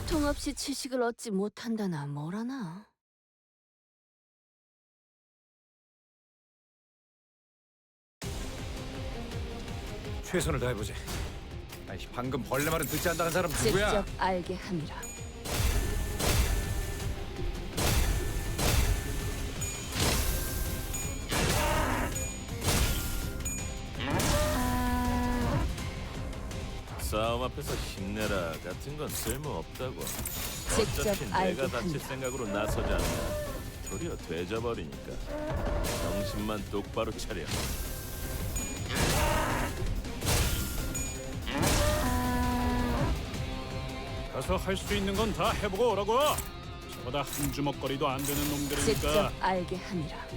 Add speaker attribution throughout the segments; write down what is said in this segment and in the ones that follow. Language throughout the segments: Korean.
Speaker 1: 고통 없이 지식을 얻지 못한다나 뭐라나.
Speaker 2: 최선을 다해보지. 아이씨, 방금 벌레 말은 듣지 않다는 사람 누구야?
Speaker 1: 직접 알게 함이라.
Speaker 3: 싸움 앞에서 힘내라 같은 건 쓸모없다고.
Speaker 1: 직접
Speaker 3: 어차피
Speaker 1: 알게
Speaker 3: 내가 다칠
Speaker 1: 합니다.
Speaker 3: 생각으로 나서지 않으면 도리어 되져버리니까 정신만 똑바로 차려.
Speaker 4: 가서 할 수 있는 건 다 해보고 오라고. 저보다 한 주먹거리도 안 되는 놈들이니까.
Speaker 1: 직접 알게 함이라.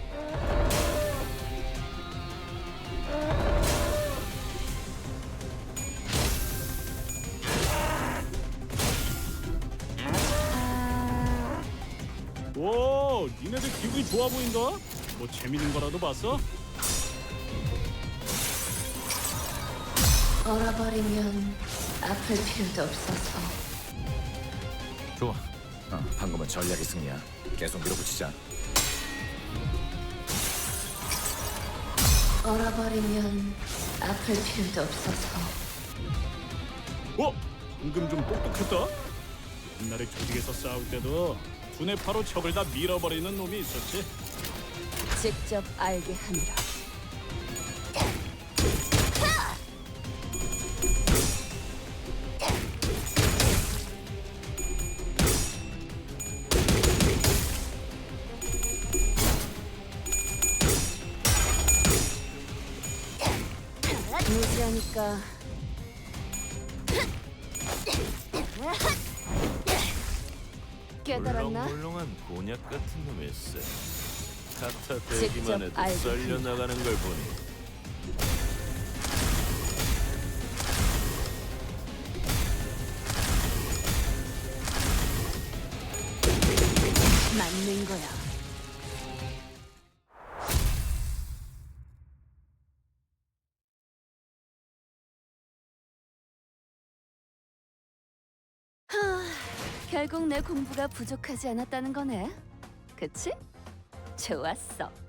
Speaker 4: 오, 니네들 기분이 좋아 보인다. 뭐 재밌는 거라도 봤어?
Speaker 1: 얼어버리면 아플 필요도 없어서.
Speaker 2: 좋아. 방금은 전략의 승리야. 계속 밀어붙이자.
Speaker 1: 얼어버리면 아플 필요도 없어서.
Speaker 4: 어? 방금 좀 똑똑했다. 옛날에 조직에서 싸울 때도 두뇌 파로 적을 다 밀어버리는 놈이 있었지.
Speaker 1: 직접 알게 함이라. 무지하니까 깨달았나?
Speaker 3: 물렁물렁한 곤약 같은 놈일세. 갖다
Speaker 1: 직접
Speaker 3: 대기만 해도
Speaker 1: 알게
Speaker 3: 썰려 나가는 걸 보니
Speaker 1: 맞는 거야. 결국 내 공부가 부족하지 않았다는 거네. 그치? 좋았어.